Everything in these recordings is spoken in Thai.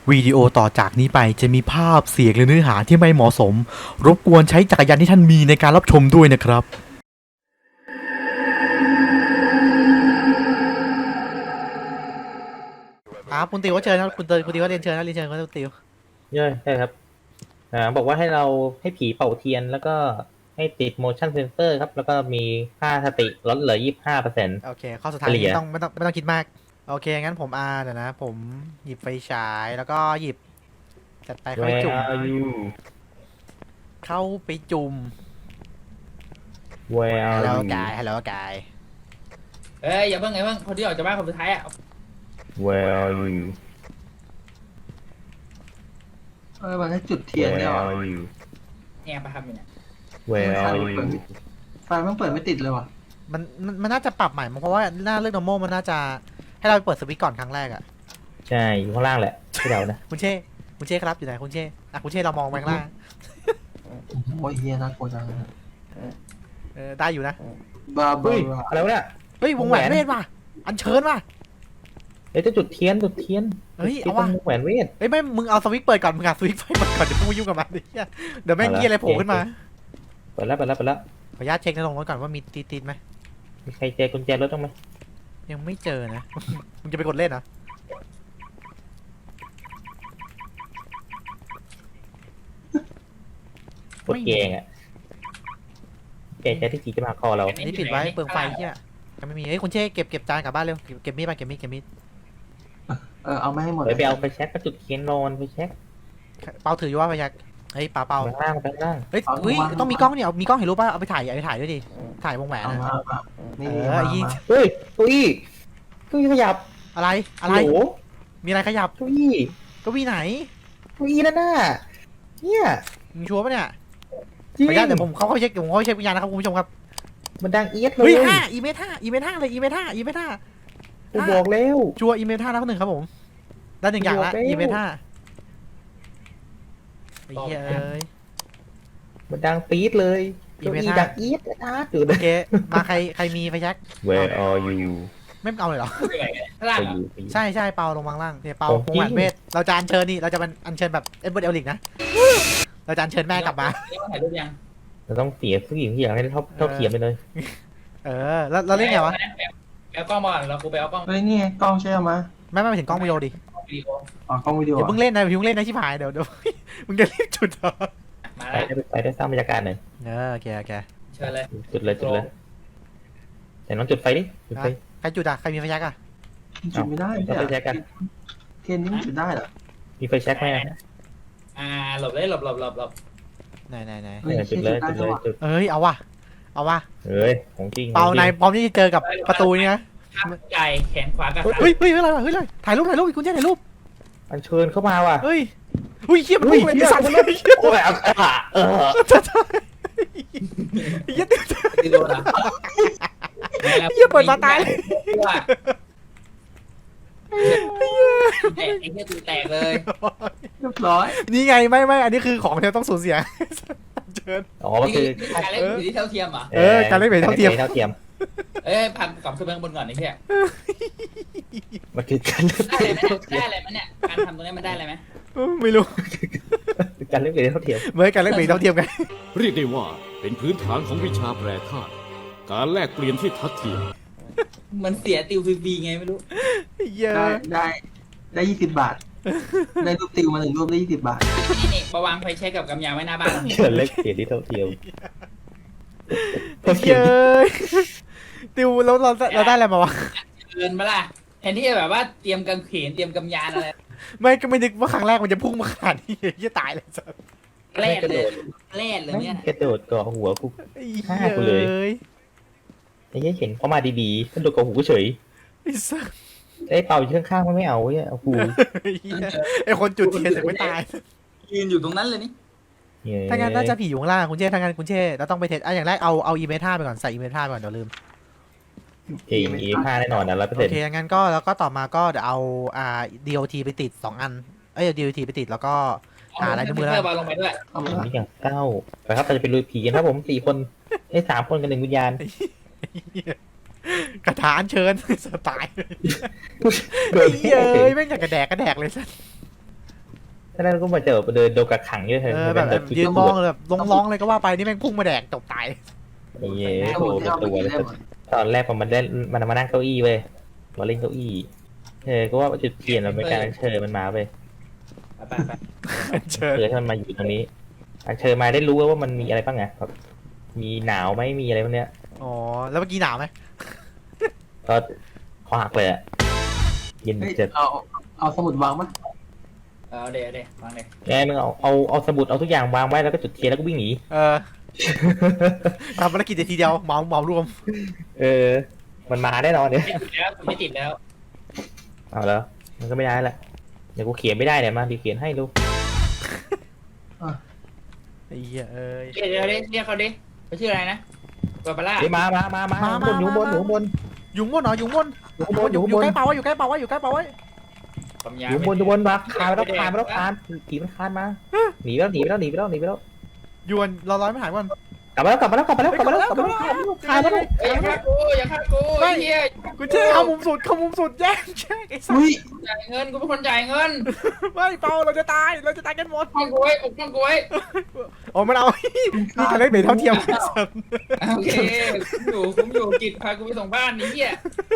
วิดีโอต่อจากนี้ไปจะมีภาพเสียงหรือเนื้อหาที่ไม่เหมาะสม รบกวนใช้จักรยานที่ท่านมีในการรับชมด้วยนะครับคุณติวก็เชิญนะคุณติวก็เรียนเชิญนะเรียนเชิญคุณติวใช่ครับบอกว่าให้เราให้ผีเป่าเทียนแล้วก็ให้ติด motion sensor ครับ แล้วก็มีค่าสติลดเหลือ 25% โอเคข้อสุดท้ายนี้ไม่ต้องคิดมากโอเคงั้นผมเดี๋ยวนะผมหยิบไฟฉายแล้วก็หยิบจัดไปเข้าไป Where จุ่ม are you เข้าไปจุ่ม Where ฮัล are โหล you กายฮัลโหลกายเอ้ยอย่าเพิ่งคนที่ออกจากบ้านคนสุดท้ายอ่ะ Where are you มันให้จุดเทียน Where เนี่ยหรอ are you เนี่ยประทับอยู่เนี่ย Where are you ไฟมันเปิดไม่ติดเลยว่ะมันน่าจะปรับใหม่เพราะว่าหน้าเรื่อง normal มันน่าจะให้เราไปเปิดสวิตช์ก่อนครั้งแรกอะใช่อยู่ข้างล่างแหละที่เรานะคุณเช่ครับอยู่ไหนคุณเช่คุณเช่เรามองไปข้างล่างโอ้ยเฮียน่ากลัวจังได้อยู่นะบาเฮ้ยบาอะไรวะเนี่ยเฮ้ยวงแหวนเวทว่ะอันเชิญว่ะเดี๋ยวจะจุดเทียนเฮ้ยที่เอาตรว่ะงวงแหวนเวทเฮ้ยไม่มึงเอาสวิตช์เปิดก่อนมึงเอาสวิตช์ไฟเปิดก่อนเดี๋ยวกูยุ่งกับมันเดี๋ยวแม่งเงี้ยอะไรโผล่ขึ้นมาเปิดแล้วขออนุญาตเช็คในลงรถก่อนว่ามีติดไหมมีใครเจอกุญแจรถบ้างไหมยังไม่เจอนะ มึงจะไปกดเล่นเหรอกดแกงอ่ะแกใจที่จีจะมาคอเราอันนี้ปิดไว้เปลืองไฟเฮียยังไม่มีเฮ้ยคุณเช่เก็บจานกลับบ้านเร็วเก็บมีดไปเก็บมีดเอาไม่ให้หมดเดี๋ยวไปเอาไปเช็คก็จุดเทียนนอนไปเช็คเปาถืออยู่ว่าพยักเฮ้ยเปาไปข้างล่างเฮ้ยต้องมีกล้องเนี่ยมีกล้องเห็นรูปป่ะเอาไปถ่ายด้วยดิถ่ายวงแหวนเอานะมานี่เฮ้ยเก้าอี้ขยับอะไรโอ้โหมีอะไรขยับเก้าอี้ก็วีไหนนั่นน่ะเนี่ยมึงชัวร์ปะเนี่ยจริงขออนุญาตเดี๋ยวผมเข้าไปเช็ควิญญาณนะครับคุณผู้ชมครับมันดังเอียดเลเฮ้ยยอีเมท่าเลยอีเมท่ากูบอกแล้วชัวร์อีเมท่าแล้วหนึ่งครับผมได้หนึ่งอย่างละอีเมท่าไอ้เหี้ยเอ้ยมันดังปี๊ดเลยอีเก้าเมอี้ท่าดังเอียดอยู่โอเคมาใครมีไฟแช็ก Where are you ไม่เอาเลยเหรอข้างล่างใช่เปาลงมาข้างล่างเนี่ยเปาของวงจริงแหวนเวทเราจะอัญเชิญนี่เราจะเป็นอัญเชิญแบบเอ็ดเวิร์ดเอลิกนะเราจะอัญเชิญแม่กลับมาถ่ายรูปยังเราต้องเสียผู้หญิงที่อยากให้เท่าเทียมไปเลยแล้วเราเล่นไงวะเอากล้องมาก่อนเรากูไปเอากล้องเฮ้ยนี่กล้องใช่ไหมไม่ไปถึงกล้องวิดีโอดิวิดีโอกล้องวิดีโออย่าเพิ่งเล่นนะอย่าเพิ่งเล่นนะชิบหายเดี๋ยว มึงจะรีบจุดเหรอมาไปแล้วได้สร้างบรรยากาศหน่อยโอเคเชิญเลยจุดเลยแต่น้องจุดไฟดิจุดไฟใครจุดอ่ะใครมีไฟแช็กอ่ะจุดไม่ได้เราไปแช็กกันเทียนนี่มันจุดได้เหรอมีไฟแช็กไหมหลบเลยหลบไหนจุดเลยจุดเอ้ยเอาว่ะเฮ้ยของจริงเปาในพร้อมที่จะเจอกับประตูนี่นะทับไก่แขนขวากับขาเฮ้ยอะไรวะเฮ้ยเลยถ่ายรูปคุณเช่ถ่ายรูปอัญเชิญเข้ามาว่ะเฮ้ยเฮียมันพุ่งเลยสั่นเลยโอ้ยเฮียที่โดนอ่ะเฮียเปิดมาตายเลยแตกไอ้เหี้ยตูแตกเลยเรียบร้อยนี่ไงไม่อันนี้คือของที่เราต้องสูญเสียเชิญอ๋อก็คือการเล่นอยู่ที่เท่าเทียมอ่ะการเล่นแบบเท่าเทียมเอ้ยพันกลับขึ้นไปข้างบนก่อนไอ้เหี้ยมันคือการเล่นได้อะไรไหมเนี่ยการทำตรงนี้มันได้อะไรไหมไม่รู้การเล่นเท่าเทียมเมื่อการเล่นแบบเท่าเทียมกันเรียกได้ว่าเป็นพื้นฐานของวิชาแปรธาตุการแลกเปลี่ยนที่ทัดเทียมมันเสียติวฟรีไงไม่รู้เยอะได้20 บาท ได้รูปติวมา1รูปได้20 บาทนี่มาวางไฟแช็กกับกำยานไว้หน้าบ้านเชิญเล็กเสียที่เท่าเทียมเยอะติวเราได้อะไรมาวะเกินมาล่ะแทนที่จะแบบว่าเตรียมกางเขนเตรียมกำยานอะไรไม่ก็ไม่นึกว่าครั้งแรกมันจะพุ่งมาขนาดนี้จะตายเลยสัสแล่เลยเนี่ยกระโดดเกาะหัวกู ฆ่ากูเลเลยยไอ้เหี้ยเห็นเขามาดีๆกระโดดเกาะหูเฉยไอ้สัสไอ้เป่าอยู่ข้างๆมันไม่เอาเนี่ยเอาหูไอ้คนจุดเทียนแต่ไม่ตายยืนอยู่ตรงนั้นเลยนี่ถ้างั้นน่าจะผีอยู่ข้างล่างคุณเช่ถ้างั้นคุณเช่เราต้องไปเทสอย่างแรกเอาอีเมท่าไปก่อนใส่อีเมท่าไปก่อนเดี๋ยวลืมเองอีผ้าแน่นอนนะ100% โอเคงั้นก็แล้วก็ต่อมาก็เดี๋ยวเอาDOT ไปติด2 อันDOT ไปติดแล้วก็หาอะไรในมือแล้แล้ววลงไปด้วยเอามานี่อย่างเก้าไปครับเราจะไปลุยผีกันครับผม4 คน3 คนกับ1 วิญญาณกระถานเชิญสไตล์โดนเฮ้ยแม่งอยากกระแดกเลยสัสนั้นก็มาเจอเดินโดนกักขังเยอะเถเออะอแบบแบบยืนมองเลยแบบร้องๆเลยก็ว่าไปนี่แม่งพุ่งมาแดกตกตายไอ้เงี้ยสโอ้มุโหดที่เอาตัเมื่อวกี้เลยได้หมดตอนแรกมันมานั่งเก้าอี้เว้ยมาเล่นเก้าอี้ก็ว่าจุดเปลี่ยนมันเป็นการอัญเชิญมันมาเว้ยไปไปเชิญเชิญให้มันมาอยู่ตรงนี้อัญเชิญมาได้รู้ว่ามันมีอะไรบ้างไงแบบมีหนาวไหมมีอะไรพวกเนี้ยอ๋อแล้วเมื่อกี้หนาวไหมก็ควักเลยอะเย็นเฮ้ยเจ็บเอาสมุดวางมั้ยเอาเดี๋ยววางเลยไงมึงเอาสมุดเอาทุกอย่างวางไว้แล้วก็จุดเทียนแล้วก็วิ่งหนีเออทำภารกิจทีเดียวเหมารวมเออ มันมาแน่นอนเนี่ยไม่ติดแล้วเอาแล้วมันก็ไม่ได้แหละเดี๋ยวกูเขียนไม่ได้เนี่ยมาดีเขียนให้ลูกไอ้เหี้ยเอ้ยเรียกเขาดิเขาชื่ออะไรนะบาบาร่าเฮ้ยมาอยู่บนอยู่บนยุงม่นเหรอยุงม่น อยู่ใกล้เปาไว้อยู่ใกล้เปาไว้อยู่ใกล้เปาไว้ความยาอยู่บนมาคานมาแล้วผีมันคานมาหนีไปแล้วยวนเราร้อยไม่หายวันกลับมาแล้วคานมาแล้วอย่าฆ่ากูเฮียกูเจ๊เข้ามุมสุดแย่งไอ้สัสอุ้ยจ่ายเงินกูเป็นคนจ่ายเงินไม่เปาเราจะตายกันหมดห้องกูไว้ปกป้องกูไว้โอ้มันเอานี่การเล่นเบสเท่าเทียมไอ้สัสโอเคคุ้มอยู่กิจพากูไปส่งบ้านนี่เฮีย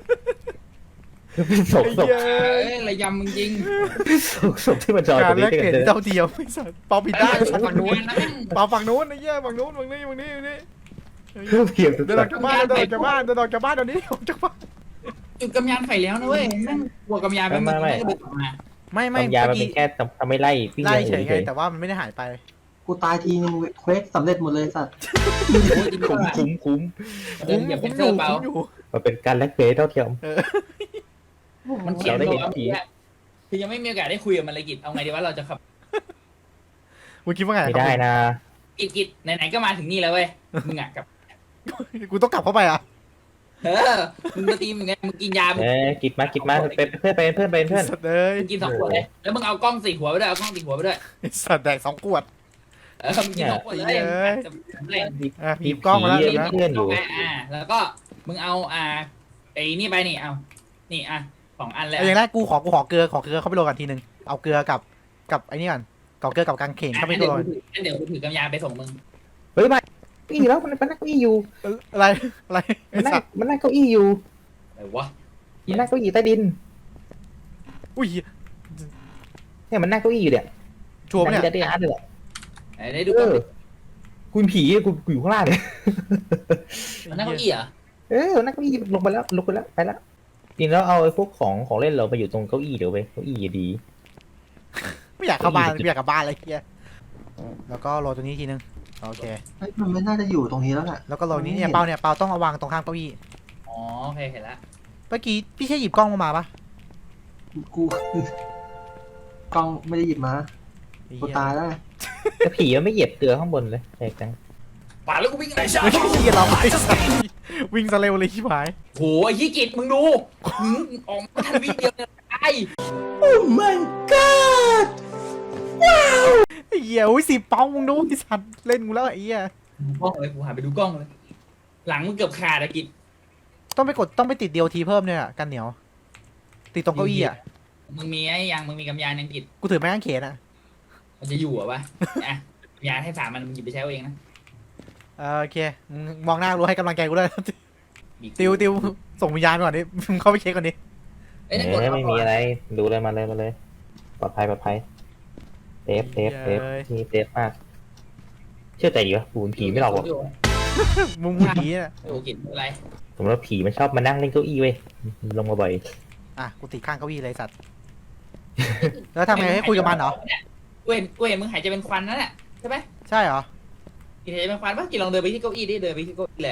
ศพระยำมึงจริงที่มันจอยการตรงนี้เล่นเบสเท่าเทียมไอ้สัสเปาผิดได้ฝั่งนู้นนะเปาฝั่งนู้นไอ้เหี้ยฝั่งนู้นฝั่งนี้เทียมเดินออกจากบ้านเดินออกจากบ้านเดี๋ยวนี้ออกจากบ้านจุดกำยานไฟแล้วนะเว้ยนั่งบวกกำยานไปมึงไม่ได้บุกมาไม่ยาเมื่มันอเป็กี้นแค่ทำให้ไล่วิ่งไล่เฉยไงแต่ว่ามันไม่ได้หายไปกูตายทีนึงเควสสำเร็จหมดเลยสัตว์คุ้มอย่าเป็นอเสื้ยู่อเปล่าอยู่มันเป็นการแลกเบสเท่าเทียมมันเขียนเราได้ตัวเห็นผีคือยังไม่มีโอกาสได้คุยกับมันเลยกิจเอาไงดีว่าเราจะขับมึงคิดว่าไงไม่ได้นะกิจไหนๆก็มาถึงนี่แล้วเว้ยมึงอ่ะกับกูต้องกลับเข้าไปอ่ะมึงมาตีมึงไงมึงกินยามึงกิดมาเป็นเพื่อนสัตว์เอ้ยกิน2 ขวดเลยแล้วมึงเอากล้องติดหัวไปด้วยเอากล้องติดหัวไปด้วยสัตว์แดก2 ขวดมึงกิน2 ขวดเลยอ่ะหยิบกล้องมาแล้วนะเพื่อนอยู่แล้วก็มึงเอาไอ้นี่ไปนี่เอานี่2 อันเลยอย่างแรกกูขอเกลือเข้าไปโรยกันทีนึงเอาเกลือกับไอ้นี่ก่อนเกลือกับกางเขนเข้าไปโรยเดี๋ยวกูถือกำยาไปส่งมึงเฮ้ยมาเก้าอี้แล้วมันนั่งเก้าอี้อยู่อะไรไอ้มันนั่งสัตว์เก้าอี้อยู่อะไรวะมันนั่งเก้าอี้ใต้ดินอุ้ยเนี่ยมันนั่งเก้าอี้อยู่เนี่ยชัวร์ปะเนี่ยจะได้อาร์ตเลยได้ดูกล้องคุณผีกูอยู่ข้างล่างเนี่ยมันนั่งเก้าอี้เหรอนั่งเก้าอี้ลงไปแล้วไปแล้วจริงแล้วเอาไอ้พวกของเล่นเราไปอยู่ตรงเก้าอี้เดี๋ยวไปเก้าอี้ดีไม่อยากเข้าบ้านไม่อยากกลับบ้านเลยเฮียแล้วก็โรยตัวนี้ทีนึงโอเคเฮ้ยมันไม่น่าจะอยู่ตรงนี้แล้วแหละแล้วก็โรยนี้เนี่ยเปาต้องเอาวางตรงข้างเก้าอี้อ๋อโอเคเห็นแล้วเมื่อกี้พี่ใช่หยิบกล้องมาปะกูกล้องไม่ได้หยิบมากูตายแล้วแต่ผีมันไม่เหยียบเกลือข้างบนเลยแปลกจังป่าแล้วกูวิ่งอะไรไม่ใช่ที่เราไปวิ่งซะเร็วเลยชิบหายโหไอ้ยี่กิจมึงดูออกมาทันวิ่งเดียวเลยไอ้ไอ้เหี้ยอุ้ย10 เปามึงดูไอ้สัตว์เล่นกูแล้วไอ้เหี้ยกล้องเลยกูหาไปดูกล้องเลย หลังมึงเกือบขาดอะกิจต้องไปติด DOT เพิ่มเนี่ยกันเหนียวติดตรงเก้าอี้อ่ะมึงมีไอ้ยังมึงมีกำยานยังกิจกูถือไม้กางเขนอ่ะมันจะอยู่เหรอวะอ่ะกำยานให้3 มันมึงหยิบไปใช้เอาเองนะโอเคมึงมองหน้ารู้ให้กำลังใจกูด้วยติวส่งวิญญาณมาก่อนดิมึงเข้าไปเช็คก่อนดิเอ้ยนั่นกดไม่มีอะไรดูเลยมาเลยปลอดภัยเซฟมีเซฟมากเชื่อใจดีวะปูนผีไม่หลอกหรอกมึงผีอ่ะโอ้กิจอะไรผมว่าผีมันชอบมานั่งเล่นเก้าอี้เว้ยลงมาบ่อยอ่ะกูติดข้างเก้าอี้เลยสัตว์แล้วทำไงให้คุยกับมันเหรอกูเห็นมึงหายใจเป็นควันนั่นแหละใช่ไหมใช่เหรอกิจหายใจเป็นควันปะกิจลองเดินไปที่เก้าอี้ดิเดินไปที่เก้าอี้เลย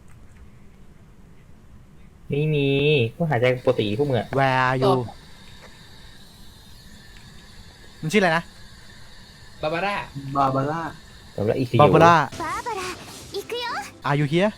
ไม่มีก็หายใจปกติพวกมึงอะ Where are you มันชื่ออะไรนะบาบาร่าบาบาร่าแล้วอีซี Barbara Are you here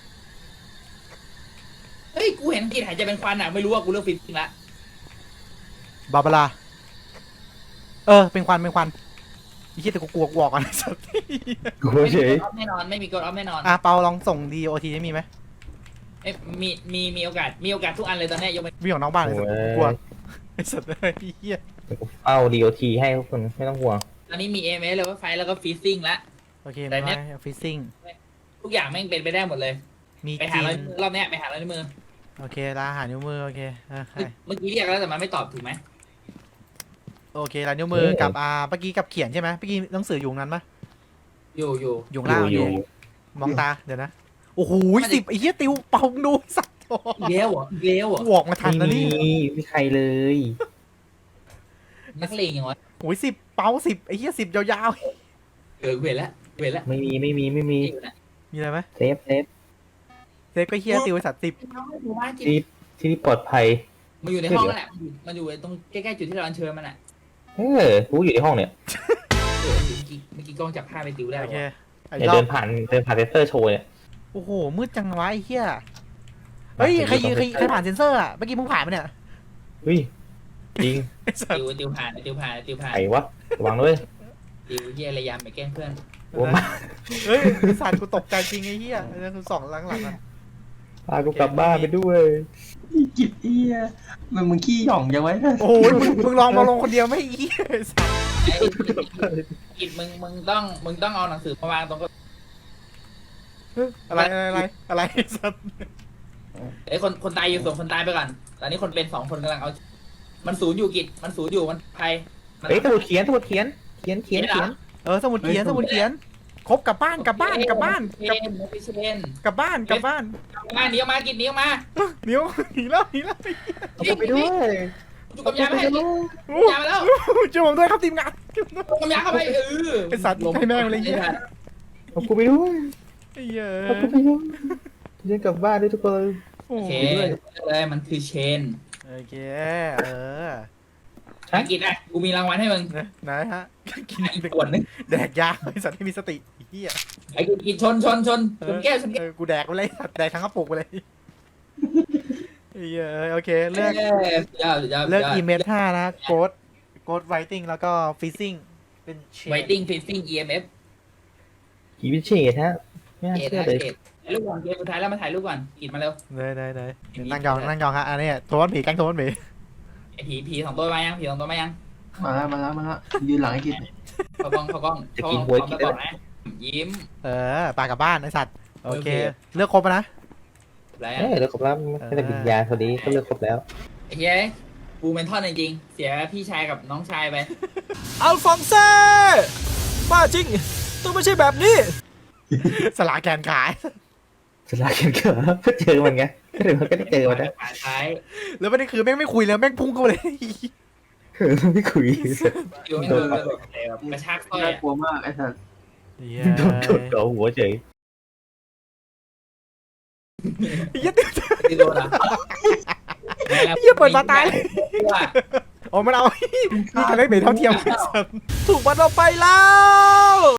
เฮ้ยกูเห็นกิจหายใจเป็นควันอะไม่รู้ว่ากูเลือกฟิล์มละ Barbara เป็นควันไอ้เหี้ยแต่กูกลัวกูออกก่อนไอ้สัตว์กูเฉยแน่นอนไม่มีกดออฟแน่นอนอ่ะเปาลองส่ง DOT ได้มีไหมมีโอกาสทุกอันเลยตอนนี้ยกเว้นวิ่งออกนอกบ้านเลยสัตว์กูกลัวไอ้สัตว์ไอ้เหี้ยเอา DOT ให้ทุกคนไม่ต้องห่วงตอนนี้มี AMS เลยว่าไฟแล้วก็ฟีซิ่งละโอเคแต่มาเนี่ยฟิซซิ่งทุกอย่างแม่งเป็นไปได้หมดเลยมีไปหากิรอยนนิ้วมือรอบเนี้ยไปหารอยนิ้วมือโอเคลาหานิ้วมือโอเคใช่เมื่อกี้เรียกแล้วแต่มันไม่ตอบถูกไหมโอเคลายนิ้วมือกับเมื่อกี้กับเขียนใช่ไหมเมื่อกี้หนังสืออยู่นั้นปะอยู่อยู่ข้างล่างโออเคยู่มองตาเดี๋ยวนะโอ้โห10ไอ้เหี้ยติวเป่าดูสัตว์อีกแล้วเหรออีกแล้วเหรอวอกมาทันไม่นะมีนี่ไม่ใครเลยนักเลงอย่างวะโอ้ย10เป่า10ไอ้เหี้ย10ยาวเวรละเวรละไม่มีๆมีอะไรไหมเซฟเซฟก็เหี้ยติวไอ้สัตว์10 ที่ปลอดภัยมันอยู่ในห้องนั่นแหละมันอยู่ตรงใกล้ๆจุดที่เราอัญเชิญมันอ่ะรู้อยู่ในห้องเนี่ยเมื่อกี้กล้องจับภาพไปติวได้โอเควะไอ้เนี่ยรอเดิบนผ่านเซนเซอร์โชว์เนี่ยโอ้โหมืดจังวะไอ้เหี้ยเฮ้ยใครผ่านเซนเซอร์อ่ะเมื่อกี้มึงผ่านปะเนี่ยเฮ้ยจริงไอ้สัตว์ติวผ่านติวผ่านติวผ่านไขวะระวังด้วยติวเฮียระยำไปแกล้งเพื่อนโอ้มาเฮ้ยไอ้สัตว์กูตกใจจริงไอ้เหี้ยแล้วกูส่องหลังๆอ่ะพากูกลับบ้านไปด้วยอีกิบเอียมึงขี้หย่องยังไว้นะโอ้ยมึงลองมาลงคนเดียวไม่ไอ้เหี้ยไอ้สัตว์ไอ้กิจมึงต้องเอาหนังสือมาวางตรงอะไรไอ้สัตว์ไอ้คนตายอยู่ส่งคนตายไปก่อนตอนนี้คนเป็น2 คนกำลังเอามันศูนย์อยู่กิจมันศูนย์อยู่มันภัยเฮ้ยสมุดเขียนสมุดเขียนครบกลับบ้านกลับบ้านเชนกลับบ้านเชนบ้านมาหนีออกมากิจหนีออกมาเดี๋ยวหนีแล้วเอาไปด้วยจุกกำยาไม่ให้ยามาแล้วช่วยผมด้วยครับทีมงานจุกกำยาเข้าไปไอ้สัตว์ให้แม่งเลยเหี้ยเอากูไปด้วยไอ้เหี้ยเอากูไปด้วยเดินกลับบ้านด้วยทุกคนโอ้โอโหเคเลยมันคือเชนโอเคเออกิจอ่ะกูมีรางวัลให้มึงไหนฮะกินอีกขวดนึงแดกยาไอ้สัตว์ที่มีสติไอ้เหี้ยไอ้กิจชนแก้วกูแดกไปเลยแดกทั้งกระปุกไปเลยไอ้เหี้ยโอเคเลือก เลือกอีเมล5นะโกดไวติ้งแล้วก็ฟิซซิ่งเป็นเชนไวติ้งฟิซซิ่ง EMF กีวิเชตฮะไม่น่าเอ็ดเชื่อเลยรูปก่อนเกมสุดท้ายแล้วมาถ่ายรูปก่อนกินมาเร็วได้นั่งยองฮะอันนี้โทนผีแกล้งโทนผีไอ้ผี2 ตัวมายังผี2 ตัวมายังมาแล้วยืนหลังไอ้กิบเขากล้องเขาบอกนะยิ้มปากกลับบ้านไอสัตว์โอเคโอเคเลือกครบแล้วนะแล้วเลิกครบแล้วไม่ได้วิญญาณพอดีก็เลิกครบแล้วไอ้เฮ้ยปูเมนทอนจริงๆเสียพี่ชายกับน้องชายไปอัลฟองเซ่บ้าจริง ต้องไม่ใช่แบบนี้สลาแกนขายสลายกันเกิดก็เจอมันไงก็เลยก็ได้เจอมันนะขาซ้ายแล้วไม่ได้คือแม่งไม่คุยแล้วแม่งพุ่งเข้ามาเลยไม่คุยอยู่ไม่โดนแบบกระชากสร้อยน่าอ่ะกลัวมากไอ้สัสโดนกดเกาหัวเฉยยัดที่โดนอ่ะยัดเปิดมาตายโอ้มันเอานี่กันเล็กเบรเท่าเทียมถูกมันออกไปแล้ว